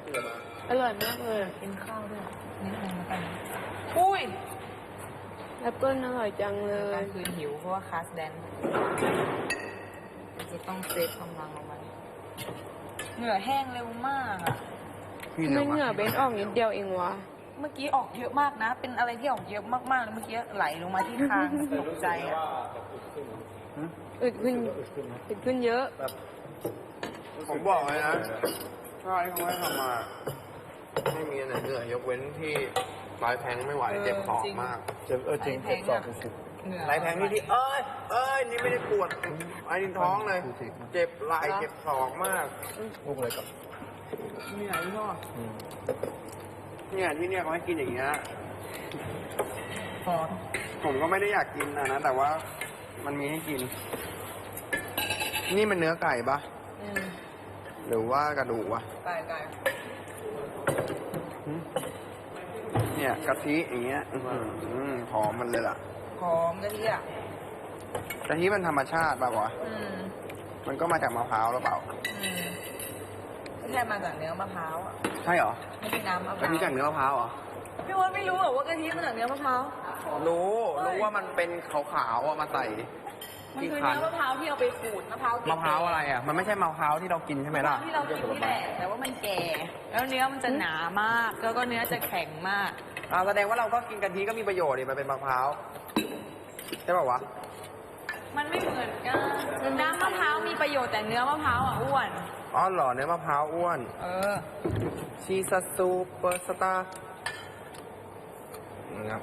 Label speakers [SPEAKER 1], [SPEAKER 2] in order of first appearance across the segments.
[SPEAKER 1] อร่อยมากเลย
[SPEAKER 2] กินข้าวด้วยนี่อะไรมากันอุ้ย
[SPEAKER 1] แอปเปิ้ลอร่อยจังเล
[SPEAKER 2] กลาย งคืนหิวเพราะว่าคลาสแดนจะต้องเซฟกำลังเอาไว้เหงื่อแห้งเร็วมากอ่ะ
[SPEAKER 1] ไม่เหงื่อเบนออกนิดเดียวเองวะ
[SPEAKER 2] เมื่อกี้ออกเยอะมากนะ เป็นอะไรที่ออกเยอะมากๆเลยเมื่อกี้ไหลลงมาที่คางตกใจอ่ะ
[SPEAKER 1] อึดขึ้นเยอะ
[SPEAKER 3] ผมบอกเลยนะถ้าไอ้เขาให้ทำมาไม่มีอันไหนเหนื่อยยกเว้นที่ปลายแทงไม่ไหวเจ็บคอมาก
[SPEAKER 4] จริงเจ็บสอบสุด
[SPEAKER 2] เหงื่อ
[SPEAKER 3] ปลายแทงนี่ที่นี่ไม่ได้ปวดไอ้ดินท้องเลย เจ็บไหล่เจ็บศอกมาก
[SPEAKER 4] ลูกอะไรกับ
[SPEAKER 2] เหนื่อยพ่อ
[SPEAKER 3] เนี่ยที่เนี่ยเขาให้กินอย่างเงี้ย
[SPEAKER 2] พอ
[SPEAKER 3] ผมก็ไม่ได้อยากกินนะแต่ว่ามันมีให้กิน นี่มันเนื้อไก่ปะหรือว่ากระดูกวะ
[SPEAKER 2] ไก่
[SPEAKER 3] เนี่ยกะทิอย่างเงี้ยหอมมันเลยล่ะ
[SPEAKER 2] หอมกะทิอ่ะ
[SPEAKER 3] กะทิมันธรรมชาติป่ะวะมันก็มาจากมะพร้าวหรือเปล่า
[SPEAKER 2] ไม่ใช่มาจากเนื้อมะพร้าวอ่ะ
[SPEAKER 3] ใช่เหรอ
[SPEAKER 2] ไม่ใช่น้ำมะพ
[SPEAKER 3] กะ
[SPEAKER 2] ร้าว
[SPEAKER 3] ทิจากเนื้อมะพร้าวเหรอ
[SPEAKER 2] พี่ว่าไม่รู้เหรอว่ากะทิมาจากเนื้อมะพร้าว
[SPEAKER 3] รู้ว่ามันเป็นขาวๆมาใส่
[SPEAKER 2] มัน
[SPEAKER 3] ที่
[SPEAKER 2] คือ
[SPEAKER 3] คั้น
[SPEAKER 2] เนื้อมะพร้าวที่เอาไปขูดมะพร้าว
[SPEAKER 3] มะพร้าวอะไรอ่ะมันไม่ใช่มะพร้าวที่เรากินใช่ไหมล่ะ
[SPEAKER 2] ที่เรากินนี่แหละแต่ว่ามันแก่ แล้วเนื้อมันจะหนามากแล้วก็เนื้อจะแข็งมาก
[SPEAKER 3] แสดงว่าเราก็กินกะทิก็มีประโยชน์ดิมันเป็นมะพร้าวใช่ป่าวะ
[SPEAKER 2] มันไม่เหมือนกันน้ำมะพร้าวมีประโยชน์แต่เนื้อมะพร้าวอ่ะอ้วน
[SPEAKER 3] อ๋อเหรอเนื้อมะพร้าวอ้วน ชีสซูเปอร์สตาร์นะครับ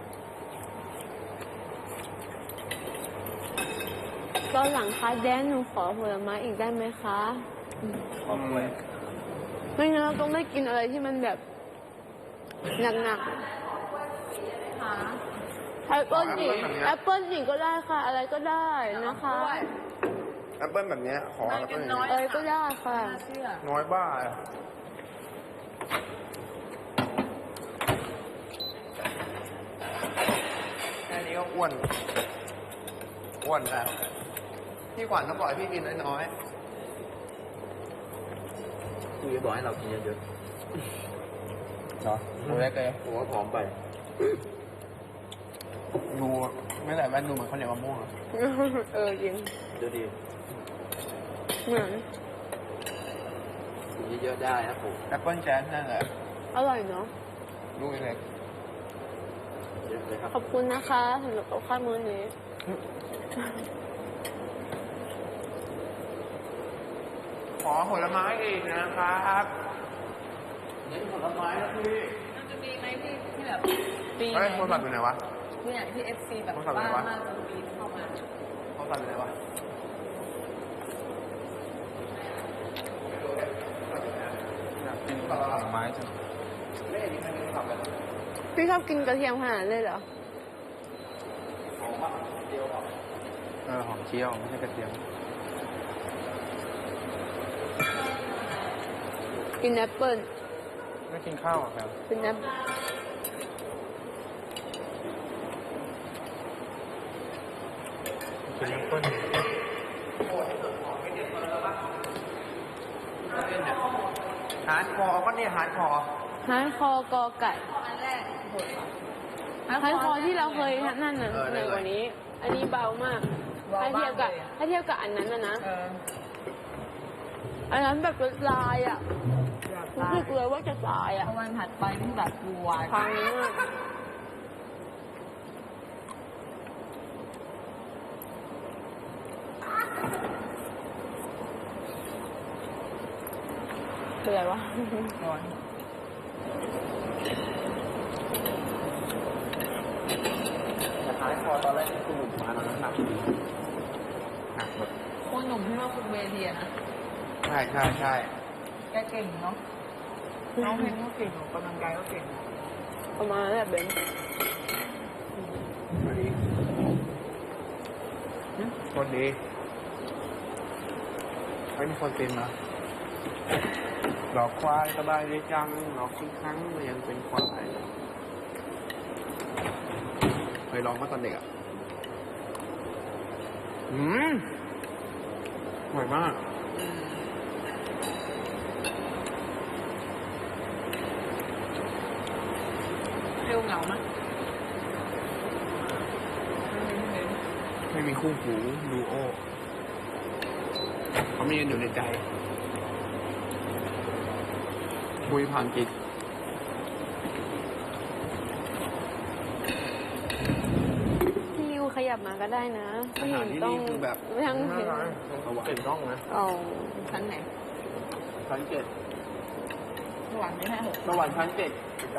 [SPEAKER 1] ตอนหลังคะแดนหนูขอผลไม้อีกได้ไหมคะไม่งั้นเราต้องได้กินอะไรที่มันแบบหนักๆแอปเปิ้ลอีกก็ได้ค่ะ อะไรก็ได้นะคะ
[SPEAKER 3] แอปเปิ้ลแบบเนี้ยขอแอปเปิ้ลอย่างเงี้ย
[SPEAKER 1] อะไรก็ได้ค่ะ
[SPEAKER 2] น่าเชื่อ
[SPEAKER 3] น้อยบ้าอันนี้ก็อ้วนนะพี่ขวัญต้องบอกให้พี่กินน้อยๆคุยบอกให้เรากินเยอะๆเนาะดูเล็กเลยผมว่าผอมไป ดูไม่แต่แว่นดูเหมือนข้าวเหนียวมะม่วงอะ
[SPEAKER 1] จริง
[SPEAKER 3] ดูดี
[SPEAKER 1] เหมือน
[SPEAKER 3] กินเยอะๆได้นะผมแอปเปิ้ลแจ๊สนั่นแหละ
[SPEAKER 1] อร่อยเนาะ
[SPEAKER 3] ลูกเล็กเยอะเลยครับ
[SPEAKER 1] ขอบคุณนะคะสำหรับข้าวมื้อนี้
[SPEAKER 3] ขอผลไม้อีกนะครับเน้นผลไม้นะพี่
[SPEAKER 2] มันจะมีไหมที่แบบปี
[SPEAKER 3] เฮ้ยโทรศัพท์อยู่ไหนวะ
[SPEAKER 2] เนี่ยที่ FC แบบ
[SPEAKER 3] โทรศัพท์
[SPEAKER 2] บ้า
[SPEAKER 3] อะไรวะ
[SPEAKER 2] มากจนปีนเข้ามา
[SPEAKER 3] โทรศัพท์อยู่ไหนวะกินผลไม้จังไม่เห็นมีใครกินผักเลย
[SPEAKER 1] พี่ชอบกินกระเทียมขนาดนั้นเลยเหรอ
[SPEAKER 3] หอมปะเจียวหอมหอมเจียวไม่ใช่กระเทียม
[SPEAKER 1] กินแอปเปิ้ล
[SPEAKER 3] ไม่กินข้าวอ่ะครับ
[SPEAKER 1] กินแอป
[SPEAKER 3] กินแอปเปิ้ลหาร์ดคอร์ก็เนี่ยฮาร์ดคอร์
[SPEAKER 1] ฮาร์ดคอร์กอไก่
[SPEAKER 2] อันแรกโหดเหรอ
[SPEAKER 1] ฮาร์ดคอร์ที่เราเคยนั่นน่ะเหนือกว่านี้ อันนี้เบามาก ถ้าเทียบกับอันนั้นนะ อันนั้นแบบลายอ่ะรู้สึกเลยว่าจะตายอ่ะ
[SPEAKER 2] พอวันถัดไปนี่แบบปวด
[SPEAKER 1] พังมากเป็นไรวะ
[SPEAKER 2] ก่อน
[SPEAKER 3] แต่ฮาร์ดคอร์ตอนแรกที่คุณหนุ่มมาตอนนั้นหนักแบบ
[SPEAKER 2] คนหนุ่มที่ว่าคุณเวทีอะนะ
[SPEAKER 3] ใช่
[SPEAKER 2] แกเก่งเนาะน้องเพลงก็เก่งออกกำลังกายก็เก่ง
[SPEAKER 1] ประมาณนั้นแหละเบน
[SPEAKER 3] คนดีไม่มีคนเป็นนะหลอกควายสบายดีจังหลอกทุกครั้งยังเป็นควายเคยลองมาตอนเด็กอ่ะอร่อยมากคู่หูดูโอเขามีกันอยู่ในใจคุยผ่านจิต
[SPEAKER 1] พี่ริวขยับมาก็ได้นะ
[SPEAKER 3] อา
[SPEAKER 1] ไม่
[SPEAKER 3] หา
[SPEAKER 1] เห็
[SPEAKER 3] ร
[SPEAKER 1] น
[SPEAKER 3] ที่
[SPEAKER 1] ต้อง
[SPEAKER 3] นี่คือแบบ
[SPEAKER 1] ไม่ต้องเห็น
[SPEAKER 3] เก่งต้องนะ
[SPEAKER 1] เอา
[SPEAKER 2] ชั้นไหน
[SPEAKER 3] ชั้นเจ็ด
[SPEAKER 2] สวรรค์ไม่ให้หก
[SPEAKER 3] สวรรค์ชั้นเจ็ดได้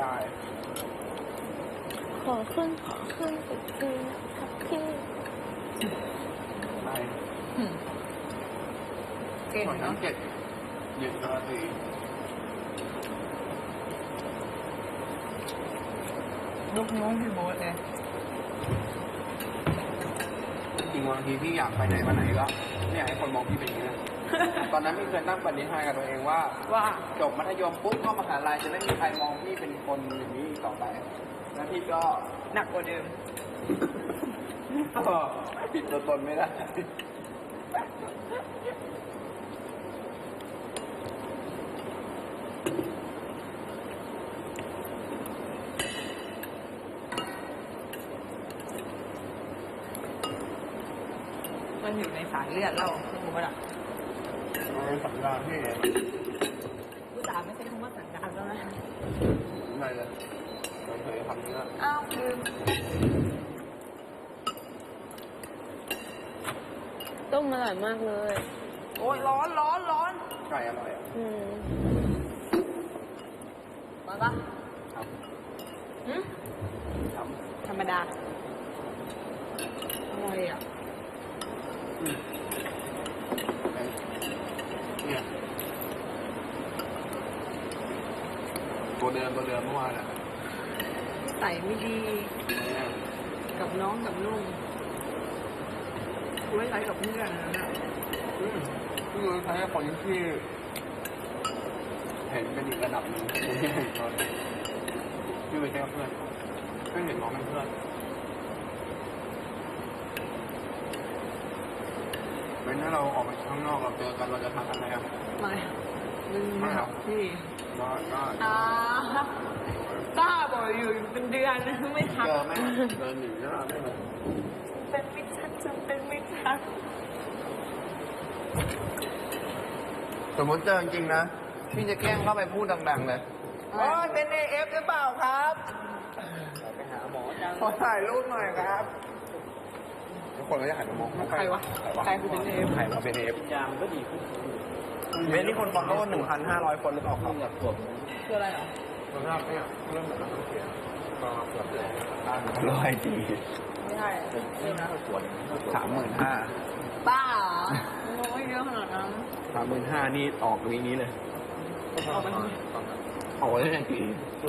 [SPEAKER 1] ขอขึ้นตึกคืนนะครับพี่
[SPEAKER 3] ได้
[SPEAKER 2] เก่ง
[SPEAKER 3] สวรรค์ชั้
[SPEAKER 2] เนาะ
[SPEAKER 3] นเจ็ดหยุดราตรี
[SPEAKER 2] ลูกน้องพี่โบ๊ทเลย
[SPEAKER 3] จริงๆบางทีพี่อยากไปไหนมาไหนก็ไม่อยากให้คนมองพี่เป็นอย่างนี้นะ ตอนนั้นพี่เคยตั้งปณิธานกับตัวเองว่า
[SPEAKER 2] ว่า
[SPEAKER 3] จบมัธยมปุ๊บเข้ามหาลัยจะไม่มีใครมองพี่เป็นคนอย่างนี้อีกต่อไป แล้วพี่ก็
[SPEAKER 2] หนักกว่าเดิม
[SPEAKER 3] ก็ปิดตัวตนไม่ได้
[SPEAKER 2] มันอยู่ในสายเลือดเราถูกปะล่ะ
[SPEAKER 3] เป็นสัญญาณพี่
[SPEAKER 2] ผู้สาวไม่ใช่คำว่าสัญญาณแล้วนะ
[SPEAKER 3] ไม่เลยไม่เคยทำนี้ละ
[SPEAKER 2] อ้าวลืม
[SPEAKER 1] ต้มอร่อยมากเลย
[SPEAKER 2] โอ้ยร้อนร้อนร้อน
[SPEAKER 3] ไก่อร่อยอ่ะ
[SPEAKER 1] อืม
[SPEAKER 2] มาปะ
[SPEAKER 3] ครับ
[SPEAKER 2] หืม
[SPEAKER 3] ครับ
[SPEAKER 2] ธรรมดาอร่อยอ่ะ
[SPEAKER 3] เนี่ยตัวเดิมเมื่อวานอ่ะ
[SPEAKER 2] ใส่ไม่ดี
[SPEAKER 3] เนี่ย
[SPEAKER 2] กับน้องกับลุงไว้ใช้กับเพื่อนนะน่ะ
[SPEAKER 3] พี่รู้ใช้คนที่เห็นเป็นอีกระดับหนึ่งที่เห็นตอนพี่ไปแค่เพื่อนไม่เห็นน้องเป็นเพื่อนเป็นถ้าเราออกไปข้างนอกเราเจอกันเราจะทักกันไหมครับ
[SPEAKER 2] ไม่มึงไม่หรอกพี่
[SPEAKER 3] ก็
[SPEAKER 2] บ้าบ่อยอยู่เป็นเดือนไม่ทัก
[SPEAKER 3] เจอไหมเดินหนีหน้าไม่เลย
[SPEAKER 2] เป็นมิตรชักจนเป็นมิตรชัก
[SPEAKER 3] สมมติเจอจริงๆนะพี่จะแกล้งเข้าไปพูดดังๆเลยโอ้ยเป็นAFหรือเปล่าครับไปหาหมอขอถ่ายรูปหน่อยครับทุกคนก็จะหันมามอง
[SPEAKER 2] ใครวะใครคือเป็นเอฟ
[SPEAKER 3] ใครมาเป็นAF ยามก็ดีขึ้นเว้นที่คนฟอลโล่1,500 คนหรือเปล่าครับ
[SPEAKER 2] คืออะไรเหรอ
[SPEAKER 3] คนแรกเนี่ยเริ่มแบบต้องเสียก็เกือบแล้ว100ดี
[SPEAKER 2] ไม่ใช่เป็นนะ
[SPEAKER 3] 35,000
[SPEAKER 2] บ้าเหรอโอ้ยเยอะขนาดนั้น
[SPEAKER 3] 35,000นี่ออกวีนี้เลย
[SPEAKER 2] เอาไป
[SPEAKER 3] ออกได้ยังกี่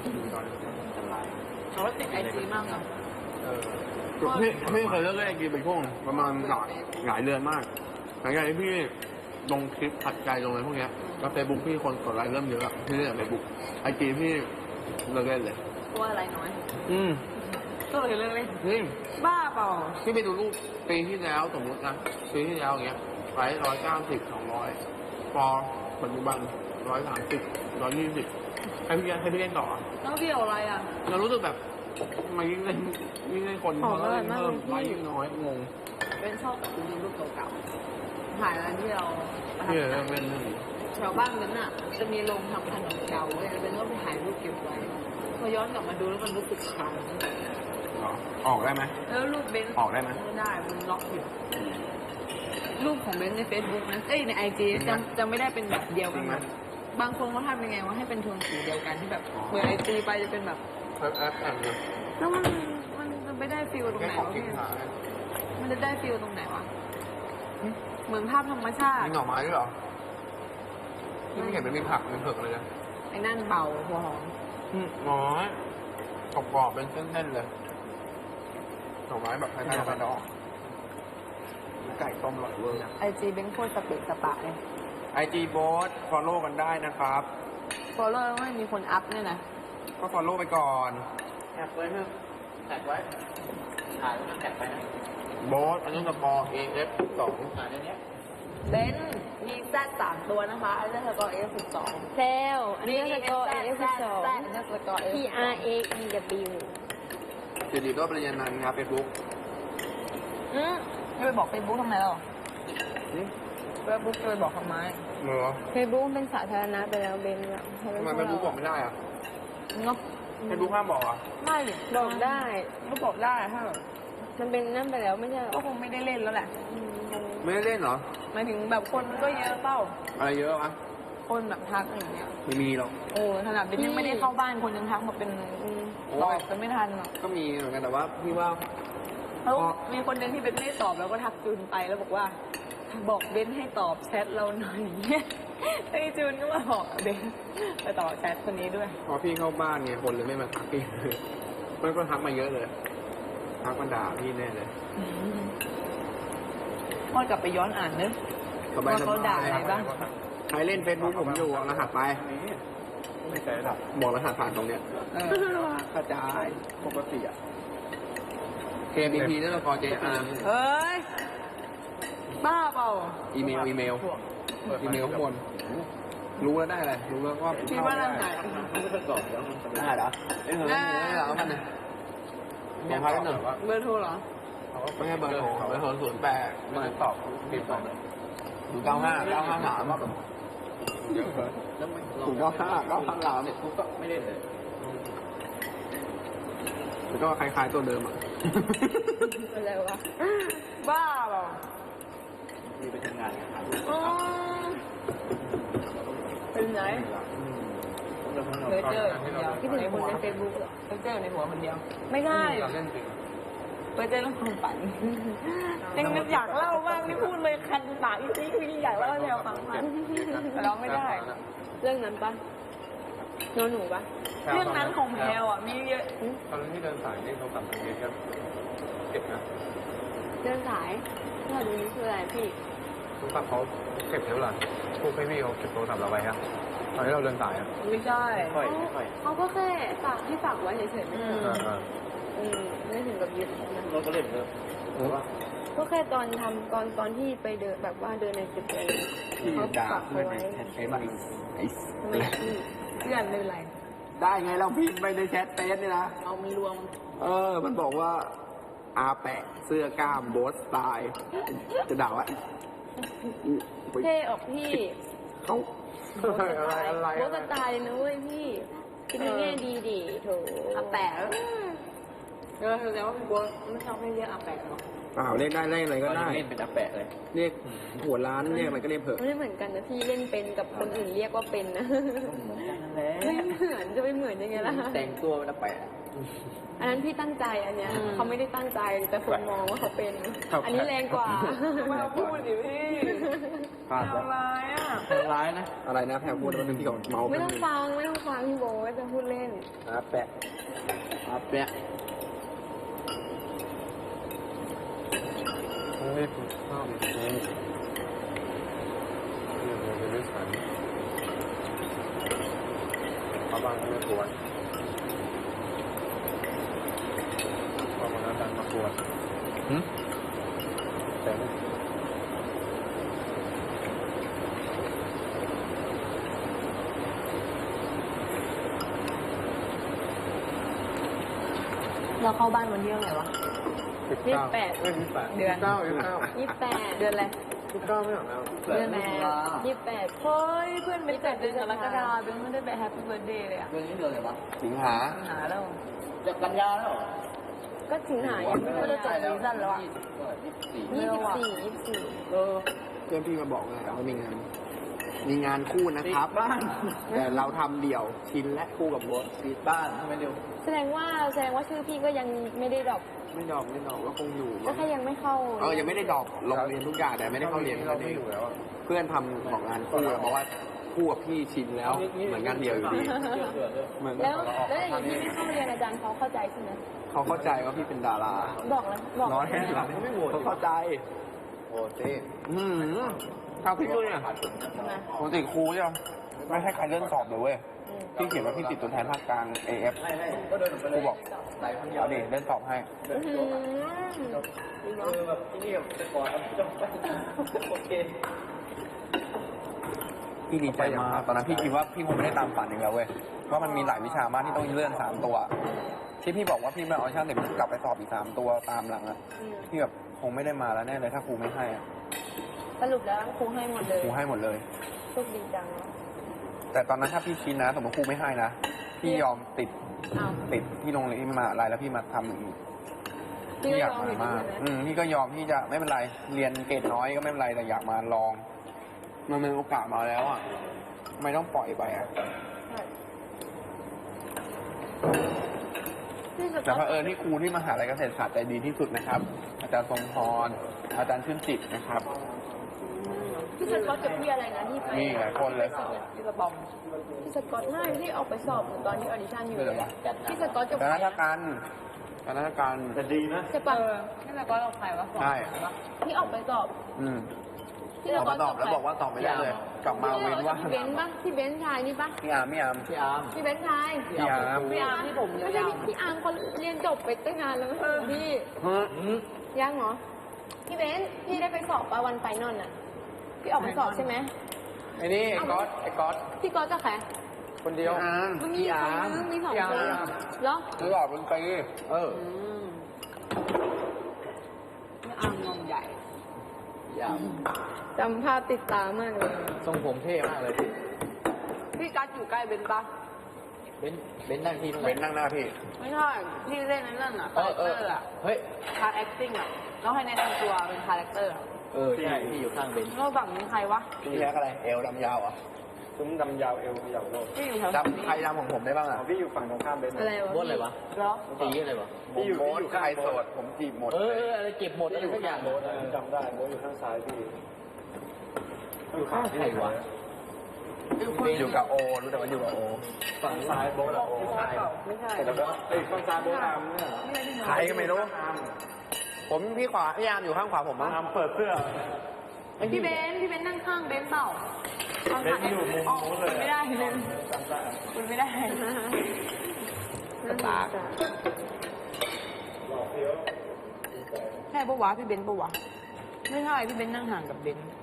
[SPEAKER 2] เขาติดไอจีมากเหรอ
[SPEAKER 3] พี่เคยเลิกเล่นไอจีไปช่วงประมาณหลายเดือนมากหลังจากที่พี่ลงคลิปผัดใจลงอะไรพวกเนี้ยแล้วเฟซบุ๊กพี่คนกดไลค์เริ่มเยอะอะพี่เล่นเฟซบุ๊กไอจีพี่เลิกเล่นเลย
[SPEAKER 2] กลัวอะไรน้อย
[SPEAKER 3] อืม
[SPEAKER 2] ก็เลยเลิกเล่น
[SPEAKER 3] นี่
[SPEAKER 2] บ้าเปล่า
[SPEAKER 3] พี่ไปดูรูปปีที่แล้วสมมตินะปีที่แล้วอย่างเงี้ยไลค์190 200พอปัจจุบัน130 120ให้พี่เล่นต่ออะ
[SPEAKER 2] แล้วพี่เอาอะไรอ่ะ
[SPEAKER 3] เรารู้สึกแบบทำไมยิ่งเล่นคนเขาเล่นเพิ่มไลค์ยิ่งน้อยงง
[SPEAKER 2] เป็นชอบดูรูปเก่าๆถ่ายอะไรที่เราประทับ
[SPEAKER 3] พี่
[SPEAKER 2] ใจ
[SPEAKER 3] เป็น
[SPEAKER 2] แถวบ้านนั้นน่ะ จะมีโรงทำขนมเก่าเลยเป็นก็ไปถ่ายรูปเก็บไว้พอย้อนกลับมาดูแล้วมันรู้สึกคลัง
[SPEAKER 3] ออกได้ไหม
[SPEAKER 2] แล้วรูปเบนซ์
[SPEAKER 3] ออกได้ไหม
[SPEAKER 2] ไม่ได้มันล็อกอยู่รูปของเบนซ์ใน Facebook นะเอ้ยใน IG จะไม่ได้เป็นแบบเดียว
[SPEAKER 3] จ
[SPEAKER 2] กั
[SPEAKER 3] ริ
[SPEAKER 2] น
[SPEAKER 3] งไหม
[SPEAKER 2] บางคนเขาทำยังไงว่าให้เป็นโทนสีเดียวกันที่แบบเปิด IG ไปจะเป็นแบบ
[SPEAKER 3] แอปเนี่ย
[SPEAKER 2] แล้วมันไม่ได้ฟิลตรง
[SPEAKER 3] แค่
[SPEAKER 2] ไหน
[SPEAKER 3] ของ
[SPEAKER 2] วะ
[SPEAKER 3] กิน
[SPEAKER 2] พี่
[SPEAKER 3] หา
[SPEAKER 2] มันจะได้ฟิลตรงไหนวะเหมือนภาพธรรมชาติ
[SPEAKER 3] มีหน่อไม้ด้วยเหรอที่ไม่เห็นเป็นมีผักเป็นเผือกเลยนะ
[SPEAKER 2] ไอ้นั่นเบาหัวหอม
[SPEAKER 3] หน่อไม้กรอบๆเป็นเส้นๆเลยหน่อไม้แบบคล้ายๆหน่อไม้ดอกไก่ต้มอร่อยเวอร์
[SPEAKER 2] IG เบนซ์โคตรสเปะสปะเลย
[SPEAKER 3] IG โบ๊ท follow กันได้นะครับ
[SPEAKER 2] ฟอลโล่ไม่มีคนอัพเนี่ยนะ
[SPEAKER 3] ก็ follow ไปก่อนแท็กไว้เถอะแท็กไว้ถ่ายแท็กไปนะโบ๊ทอันนี้สปอร์ AF 2ถ่ายในนี้
[SPEAKER 2] เบนซ์มีแซด3ตัวนะคะอันนี้สกอร์ F12
[SPEAKER 1] แซวอันนี้ก็สกอร์ F2
[SPEAKER 2] อันนี้สกอร์ F
[SPEAKER 1] P R A E W
[SPEAKER 3] สิริโรจน์ปริญญานันท์ครับ Facebook
[SPEAKER 1] อืม
[SPEAKER 2] จะไปบอกเฟซบุ๊กทำไมล่ะเฟซบุ๊กจะไปบอกทำไม
[SPEAKER 3] เหรอ
[SPEAKER 1] เฟซบุ๊กเป็นสาธารณะไปแล้วเบนอะ
[SPEAKER 3] ทำไมเฟซบุ๊กบอกไม่ได้อะ
[SPEAKER 2] เนาะ
[SPEAKER 3] เฟซบุ๊กห้ามบอกอ่ะ
[SPEAKER 2] ไม่ดิ
[SPEAKER 1] บอกได้
[SPEAKER 2] ก็บอกได้ถ้าแบบ
[SPEAKER 1] มันเป็นนั่นไปแล้วไม่ใช่เหร
[SPEAKER 2] ก็
[SPEAKER 1] อ
[SPEAKER 2] คงไม่ได้เล่นแล้วแหละ
[SPEAKER 3] ไม่ได้เล่นเหรอ
[SPEAKER 2] หมายถึงแบบคนมันก็เยอะเปล่า
[SPEAKER 3] อะไรเยอะวะ
[SPEAKER 2] คนแบบทักอย่างเงี้ย
[SPEAKER 3] ไม่มีหรอก
[SPEAKER 2] โอ้ขนาดเป็นยังไม่ได้เข้าบ้านคนยังทักมาเป็น
[SPEAKER 3] โอ้
[SPEAKER 2] ตอย บกันไม่ทันหรอก
[SPEAKER 3] ก็มีเหมือนกันแต่ว่าพี่ว่า
[SPEAKER 2] แล้วมีคนหนึงที่เป็นไม่ได้ตอบแล้วก็ทักจูนไปแล้วบอกว่า บอกเบนให้ตอบแชทเราหน่อยเนี่ยไอ้จูนก็มาบอกเบนไปตอบแชทคนนี้ด้วย
[SPEAKER 3] พอพี่เข้าบ้านเนี่ยคนเลยไม่มาทักพี่ มันก็ทักมาเยอะเลย ทักมาด่าพี่แน่เลย
[SPEAKER 2] พ่อกลับไปย้อนอ่านนึก
[SPEAKER 3] สบาย
[SPEAKER 2] ว่าเขาด่าอะไรบ้าง
[SPEAKER 3] ใครเล่นเฟซบุ๊กผมอยู่เอารหัสไป
[SPEAKER 4] ไม่ใช่หรอก
[SPEAKER 3] บอกรหัสผ่านตรงเนี้ย
[SPEAKER 2] เออก
[SPEAKER 3] ระจาย
[SPEAKER 4] ปกติอ่ะ
[SPEAKER 3] KBP นั่นละคร JR
[SPEAKER 2] เฮ้ย บ้าเปล่า
[SPEAKER 3] อีเมลข้างบนรู้แล้วได้อะไรรู้แล้วก็
[SPEAKER 2] คิดว่านั่นไหน
[SPEAKER 3] ได้เหรอไม่เหรอมันเนี่ยของพักหนึ่ง
[SPEAKER 2] เบอร์โทรเหรอ
[SPEAKER 3] ไม่ให้เบอร์โทร08ไม่ตอบผิดไป095 953เดี๋ยว095 953กูก็ไม่เล่นเลยแล้วก็คล้ายๆตัวเดิมอ่ะ
[SPEAKER 1] อะไรวะ
[SPEAKER 2] บ้าเปล่า
[SPEAKER 4] มีไปทำงานครับ
[SPEAKER 2] อ๋อเป็นไหนเลเจอร์คนเดียว
[SPEAKER 1] คิดถึงคนในเฟซบุ๊กเหรอ
[SPEAKER 2] เลเจอร์ในหัวคนเดียว
[SPEAKER 1] ไม่ได้
[SPEAKER 3] เราเล่นจริง
[SPEAKER 2] เลเจอร์เรื่องความฝันยังนึกอยากเล่าบ้างนี่พูดเลยคันปากจริงๆอยากเล่าแนวความฝันแต่เราไม่ได้
[SPEAKER 1] เรื่องนั้นปะนอนหนูปะ
[SPEAKER 2] เรื่องนั้นของแพลวอ่ะมีเยอะ
[SPEAKER 3] ตอนที่เดินสายนี่เขาสั่งเยอะเก็บนะ
[SPEAKER 1] เดินสายเรื่องนี้คืออะไรพี่
[SPEAKER 3] ทุกครั้งเขาเก็บเท่าไหร่พวกพี่เขาเก็บโทรศัพท์เราไว้ครับตอนที่เราเดินสายอ่ะ
[SPEAKER 2] ไม่ใช่
[SPEAKER 4] ค่อย
[SPEAKER 1] เขาก็แค่ฝากให้ฝากไว้เฉยๆไม่ใช่เหรอไม่ถึงกับยึดนะ
[SPEAKER 4] เราก็เล่นเนอะว่า
[SPEAKER 1] ก็แค่ตอนทำตอนที่ไปเดินแบบว่าเดินในตึกอะไรเขาฝากเขาไว้
[SPEAKER 3] ไอ้บ้าไอ้
[SPEAKER 1] ทำไมพี่
[SPEAKER 2] เพื่อนไม่เป็นไร
[SPEAKER 3] ได้ไงเราพิมพ์ไปในแชทเฟซนี่นะ
[SPEAKER 2] เอามีรวม
[SPEAKER 3] มันบอกว่าอาแปะเสื้อกล้ามโบสสไตล์จะด่าว่า
[SPEAKER 1] เท่ออกพี่
[SPEAKER 3] เขา
[SPEAKER 1] โบสไตล์นะเว้ยพี่คิดในแง่ดีดิโถ
[SPEAKER 2] อาแปะแสดงว่าพี่บัวไม่ชอบให้เรียกอาแปะหรอก
[SPEAKER 3] เปล่าเรียกได้เรียกอะไรก็ได้
[SPEAKER 4] เล่นเป็นอาแปะเลย
[SPEAKER 3] เรียกหัวร้านเรียกอะไรก็เรียกเถอะ
[SPEAKER 1] ไม่เหมือนกันนะพี่เล่นเป็นกับคนอื่นเรียกว่าเป็นนะ ไม่เหมือนจะไปเหมือนยังไงล่ะ
[SPEAKER 4] แต่งตัวเป็นอาแปะ
[SPEAKER 1] อันนั้นพี่ตั้งใจอันเนี้ยเขาไม่ได้ตั้งใจแต่คนมองว่าเขาเป็น อันนี้แรงกว่า
[SPEAKER 2] ไม่เอาพูดดิพี่
[SPEAKER 3] พลาด
[SPEAKER 2] ทำร้ายอ่ะ
[SPEAKER 4] ร้ายนะ
[SPEAKER 3] อะไรนะแพรพูดแล้วมันที่เขาเมา
[SPEAKER 1] ไม่ต้องฟังพี่โบ๊ทจะพูดเล่น
[SPEAKER 3] อาแปะ
[SPEAKER 4] อาแปะ
[SPEAKER 3] ไม่ถูกข้าวนี่เป็นนิสัยเขาบางไม่ควรพอมาแล้วดันมาควรแต่
[SPEAKER 2] เราเข้าบ้านวันที่เท่าไหร่วะ
[SPEAKER 1] 28
[SPEAKER 2] เดือน
[SPEAKER 1] 28
[SPEAKER 2] เดือนอะไร
[SPEAKER 3] 19ไม่หรอกนะ
[SPEAKER 2] เดือนไหน
[SPEAKER 1] 28
[SPEAKER 2] เฮ้ยเพื่อนเป็นเกิดเดือนกรกฎาคมเป็นไม่ได้ไปแฮปปี้เบิร์ดเดย์เลยอ่ะ
[SPEAKER 4] เรื่องนี้เดือนอะไรวะ
[SPEAKER 3] สิงหา
[SPEAKER 2] หาแล้ว
[SPEAKER 4] จะกันยาแล้ว
[SPEAKER 1] ก็ถึงหายังไม่
[SPEAKER 2] ก็
[SPEAKER 1] ได้
[SPEAKER 2] จะจบซีซั่นแล้วอ่ะ
[SPEAKER 1] 24
[SPEAKER 2] เออ
[SPEAKER 3] เพื่อนพี่มาบอกไงว่ามีงานคู่นะครับ
[SPEAKER 4] บ้าน
[SPEAKER 3] แต่เราทำเดี่ยวชินและคู่กับรถ
[SPEAKER 4] ปิดบ้านทำไมเร็ว
[SPEAKER 1] แสดงว่าชื่อพี่ก็ยังไม่ได้ดรอป
[SPEAKER 3] ไม่ดอกก็คงอยู่
[SPEAKER 1] ก็แค่ยังไม่เข้า
[SPEAKER 3] ยังไม่ได้ดอกลงเรียนทุกอย่างแต่ไม่ได้เข้าเรียนเราไม่อยู่แล้วเพื่อนทำของงานคู่บอกว่าคู่กับพี่ชินแล้วเหมือนงานเดียวอยู่ดีเหมือน
[SPEAKER 1] แล้วอย่างนี้พี่ไม่เข้าเรียนอาจารย์เขาเข้าใจใช่ไหม
[SPEAKER 3] เขาเข้าใจว่าพี่เป็นดารา
[SPEAKER 1] บอกเลยบอก
[SPEAKER 3] น้อยแค่ไหนเขาเข้าใจ
[SPEAKER 4] โอ้เต้
[SPEAKER 3] ทางพี่ด้วยเนี่ย
[SPEAKER 1] ใช่ไหม
[SPEAKER 3] ปกติครูใช่ไหมไม่ให้ใครเลื่อนสอบเลยเว้ยพี่เขียนว่าพี่ติดตัวแทนภาคกลาง AF
[SPEAKER 4] ก็เดินไป
[SPEAKER 3] ครูบอกเอาดิเลื่อนสอบให้
[SPEAKER 1] อื้อหือดีเนาะ
[SPEAKER 4] แบบที่นี่จะก่อนจบโอเค
[SPEAKER 3] พี่ดีใจมากตอนนั้นพี่คิดว่าพี่คงไม่ได้ตามฝันอย่างเดียวเว้ยเพราะมันมีหลายวิชามากที่ต้องเลื่อน3 ตัวที่พี่บอกว่าพี่ไม่เอาช่างแต่พี่กลับไปสอบอีก3 ตัวตามหลังอะพี่แบบคงไม่ได้มาแล้วแน่เลยถ้าครูไม่ให้อะ
[SPEAKER 2] สรุปแล้วครูให้หมดเลย
[SPEAKER 3] ครูให้หมดเลย
[SPEAKER 2] โชคดีจัง
[SPEAKER 3] แต่ตอนนั้นถ้าพี่คิดนะสมมติครูไม่ให้นะพี่ยอมติด
[SPEAKER 2] อ้าว
[SPEAKER 3] ที่โรงเรียนมหาอะไรแล้วพี่มาทำอย่างนี้
[SPEAKER 2] พี่ก็
[SPEAKER 3] อยาก
[SPEAKER 2] ยอม
[SPEAKER 3] มา
[SPEAKER 2] อยู่ดี
[SPEAKER 3] มาก
[SPEAKER 2] ใช่ไหม
[SPEAKER 3] พี่ก็ยอมที่จะไม่เป็นไรเรียนเกรดน้อยก็ไม่เป็นไรแต่อยากมาลอง มันเป็นโอกาสมาแล้วอ่ะไม่ต้องปล่อยไปอ่ะ
[SPEAKER 1] นี่ส
[SPEAKER 3] แต่
[SPEAKER 1] ก๊อต
[SPEAKER 3] เผอิญที่ครูที่มหาลัยเกษตรศาสตร์ใจดีที่สุดนะครับ อาจารย์ทรงพรอาจารย์ชื่นจิตนะครับ
[SPEAKER 2] พี่สก๊อตกับพี่อะไรนะที่ไป
[SPEAKER 3] มีหลายคนเลย
[SPEAKER 2] พี่กระบอมพี่สก๊อตไม่ที่ออกไปสอบตอนที่ออดิชั่นอยู่
[SPEAKER 3] คืออะไรวะ
[SPEAKER 2] พี่สก๊อตกับ
[SPEAKER 3] ค
[SPEAKER 2] ใคร
[SPEAKER 3] ณะ
[SPEAKER 2] อะ
[SPEAKER 3] การคณะการ
[SPEAKER 4] แต่ดีนะ
[SPEAKER 2] ใช่ปะพี่สก๊อตกับใครวะ
[SPEAKER 3] ใช่
[SPEAKER 2] ที่ออกไปสอบ พี่
[SPEAKER 3] ออก
[SPEAKER 2] สก๊
[SPEAKER 3] มาตอบแล้วบอกว่าตอบไม่ได้เลย กลับมาเว้นว่าง
[SPEAKER 1] พี่เบนซ์ปะพี่เบนซ์ชายนี่ปะ
[SPEAKER 3] พี่อาร์มพี่อาร์ม
[SPEAKER 4] พี่อาร์ม
[SPEAKER 2] พี่เบนซ์ชาย
[SPEAKER 3] พี่อาร์ม
[SPEAKER 2] พี่อาร์มที่ผม
[SPEAKER 1] ไม่ใช่
[SPEAKER 2] ยาว
[SPEAKER 1] พี่อาร์มเขาเรียนจบไปตั้งนานแล้วไม่ใช่เหรอพี่
[SPEAKER 3] ฮะ
[SPEAKER 1] ยังเหรอพี่เบนซ์พี่ได้ไปสอบปะวันไฟนอลน่ะพี่ออกไปสอบใช่ไหม
[SPEAKER 3] ไอ้นี่ไอ้ก๊อตไอ้ก๊อต
[SPEAKER 1] พี่ก๊อตกับใคร
[SPEAKER 3] คนเดียวอาร์ม
[SPEAKER 1] มันมีคนนึงมีสองคนเหรอ
[SPEAKER 3] ตลอดเป็นปีเออ
[SPEAKER 2] พี่อาร์มงงใหญ่
[SPEAKER 4] พี่อาร์ม
[SPEAKER 1] จำภาพติดตามากเลย
[SPEAKER 4] ทรงผมเท่มากเลยพี่
[SPEAKER 2] พี่กัสอยู่ใกล้เบนซ์ปะ
[SPEAKER 4] เบนนั่งที่ตรงไห
[SPEAKER 3] เว้นนั่งหน้าพี่
[SPEAKER 2] ไม่ใช่พี่เล่นในเรื่องอะคาแรคเตอร์อะ
[SPEAKER 4] เฮ้ย
[SPEAKER 2] คาแอคติ้งอะต้องให้แนะนำตัวเป็นคาแรคเตอร์อะ
[SPEAKER 4] ใช่พี่อยู่ข้างเบน
[SPEAKER 2] แล้วฝั่งนี้ใครวะ
[SPEAKER 3] พี่แท็กอะไร เอวดำยาวอ่ะ
[SPEAKER 5] ซุ้มดำยาวเอวขยับโลก
[SPEAKER 2] พี่อยู่แถว
[SPEAKER 3] ดำใครดำของผมได้บ้างอ่ะ
[SPEAKER 5] พี่อยู่ฝั่งตรงข้ามเบนซ์
[SPEAKER 1] อะไรวะ
[SPEAKER 4] โบนอะไรวะ
[SPEAKER 2] เหรอ
[SPEAKER 4] ตีอะไรวะ
[SPEAKER 3] ผมโบ๊ทใครโสดผมจีบหมด
[SPEAKER 4] อะไรเก็บหมดอะไรสักอย่าง
[SPEAKER 5] โบ๊ทจำได้โบ๊ทอยู่ข้างซ้ายพี่อยู่ข้าง
[SPEAKER 4] ใครวะ
[SPEAKER 3] อยู่กับโอ รู้แต่ว่าอยู่กับโอ
[SPEAKER 5] ฝั่งซ้ายโบ๊ทอะโอ้
[SPEAKER 2] ไม่ใช่
[SPEAKER 5] แล้วก็ไอ้ข้างซ้ายโบ๊ทอาร์มเนี่ย
[SPEAKER 3] ใครก็ไม่รู้ ผมพี่ขวาพี่ยามอยู่ข้างขวาผมมั้ง
[SPEAKER 5] อาร์มเปิดเสื้อ
[SPEAKER 2] พี่เบนซ์นั่งข้างเบนซ์เปล่า
[SPEAKER 5] เบนซ์อยู่มุมนู้นเลย
[SPEAKER 2] ไม่ได้เลยคุณไม่ได้
[SPEAKER 1] ปาก
[SPEAKER 2] ใช่ปะวะพี่เบนซ์ปะวะไม่ใช่พี่เบนซ์นั่งห่างกับเบนซ์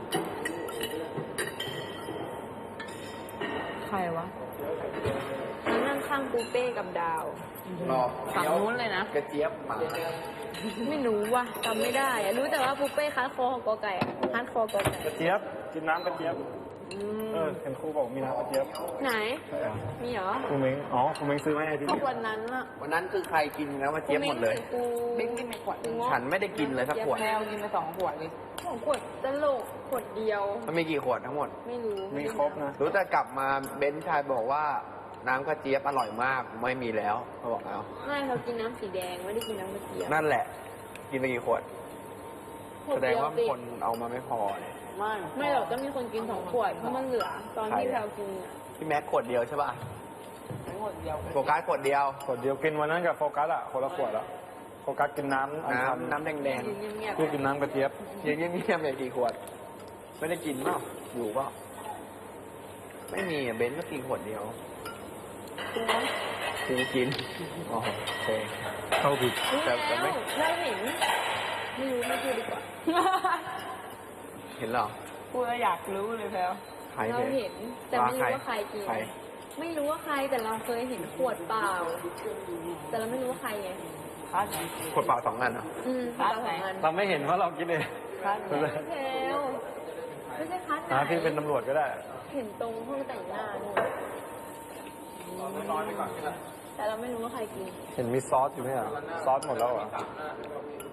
[SPEAKER 2] ใครวะ
[SPEAKER 1] แล้วนั่งข้างปูเป้กับดาว
[SPEAKER 3] รอ
[SPEAKER 2] ฝั่งนู้นเลยนะ
[SPEAKER 3] กระเจี๊ยบหมา
[SPEAKER 1] ไม่รู้ว่ะจำไม่ได้อะรู้แต่ว่าปูเป้คัดคอของกอไก่อะคัดคอกอไก่
[SPEAKER 5] กระเจี๊ยบกินน้ำกระเจี๊ยบเห็นครูบอกมีน้ำกระเจี๊ยบ
[SPEAKER 1] ไหน มีเหรอ
[SPEAKER 5] ครูเม้งอ๋อครูเม้งซื้อมาให้ที่
[SPEAKER 1] ก็
[SPEAKER 5] นี่
[SPEAKER 1] วันนั้นอะ
[SPEAKER 3] วันนั้นคือใครกินแล้วมาเจี๊ยบหมดเลย
[SPEAKER 1] กู
[SPEAKER 2] เบนซ์กินไปขวด
[SPEAKER 1] กูง
[SPEAKER 3] ฉันไม่ได้กินเลยสักขวด
[SPEAKER 2] แมวกินไป2 ขวดเลย
[SPEAKER 1] ของขวดตลกขวดเดียว
[SPEAKER 3] มันมีกี่ขวดทั้งหมด
[SPEAKER 1] ไม่รู้
[SPEAKER 5] มีครบนะ
[SPEAKER 3] รู้แต่กลับมาเบนซ์ชายบอกว่าน้ำกระเจี๊ยบอร่อยมากไม่มีแล้วเขาบอกแล้ว
[SPEAKER 1] ไม่เขากินน้ำสีแดงไม่ได้กินน้ำกระเทียม
[SPEAKER 3] นั่นแหละ กินไปกี่ขวด
[SPEAKER 1] ขว
[SPEAKER 3] แสดง
[SPEAKER 1] เย
[SPEAKER 3] ว่า
[SPEAKER 1] สิ
[SPEAKER 3] คนเอามาไม่พอเนี่ย
[SPEAKER 1] ไม่หรอกก็มีคนกิน2 ขวดเพราะมันเหลือ ตอนที่เรากินอะ
[SPEAKER 3] พี่แม็กขวดเดียวใช่ป่ะ
[SPEAKER 2] ขวดเดียว
[SPEAKER 3] โฟกัสขวดเดียว
[SPEAKER 5] ขวดเดียวกินวันนั้นกับโฟกัสอะคนละขวดอะโฟกัสกินน้ำอันชัน
[SPEAKER 3] น้ำแดง
[SPEAKER 1] ยืนเงียบ
[SPEAKER 5] พี่กินน้ำกระเจี๊ยบ
[SPEAKER 3] ๆยังเงียบๆอย่างกี่ขวด ไม่ได้กินเปล่าอยู่เปล่าไม่มีอ่ะเบนซ์ก็กินขวดเดียวกูกินอ๋อโอเค
[SPEAKER 5] เข้าผิด
[SPEAKER 1] ๆรู้
[SPEAKER 3] แต่
[SPEAKER 1] แล้ว
[SPEAKER 3] ไม่
[SPEAKER 1] เราเห็น ไม่รู้ไม่พูดดีกว่า
[SPEAKER 3] เห็นเหรอ
[SPEAKER 2] พูดแล้วอยากรู้เลยแพลว
[SPEAKER 3] ใคร
[SPEAKER 1] เรา
[SPEAKER 3] เนี่ย
[SPEAKER 1] เห็น แต่ไม่รู้ว่าใครกิน
[SPEAKER 3] ใคร
[SPEAKER 1] ไม่รู้ว่าใครแต่เราเคยเห็นขวดเปล่า แต่เราไม่รู้ว่าใครไง
[SPEAKER 2] คัส
[SPEAKER 3] ขวดเปล่า2 อันเหรอ
[SPEAKER 1] คัดสองอัน
[SPEAKER 5] เราไม่เห็นว่าเรากินเอง
[SPEAKER 2] คัส
[SPEAKER 1] ไม่ใช่เทลไม่ใช่คัดไหน
[SPEAKER 5] พี่เป็นตำรวจก็ได้
[SPEAKER 1] เห็นตรงห้องแต่งหน้านู่นแต่เราไม่รู้ว่าใครกิน
[SPEAKER 5] เห็นมีซอสอยู่ไหมอ่ะซอสหมดแล้วเหรอ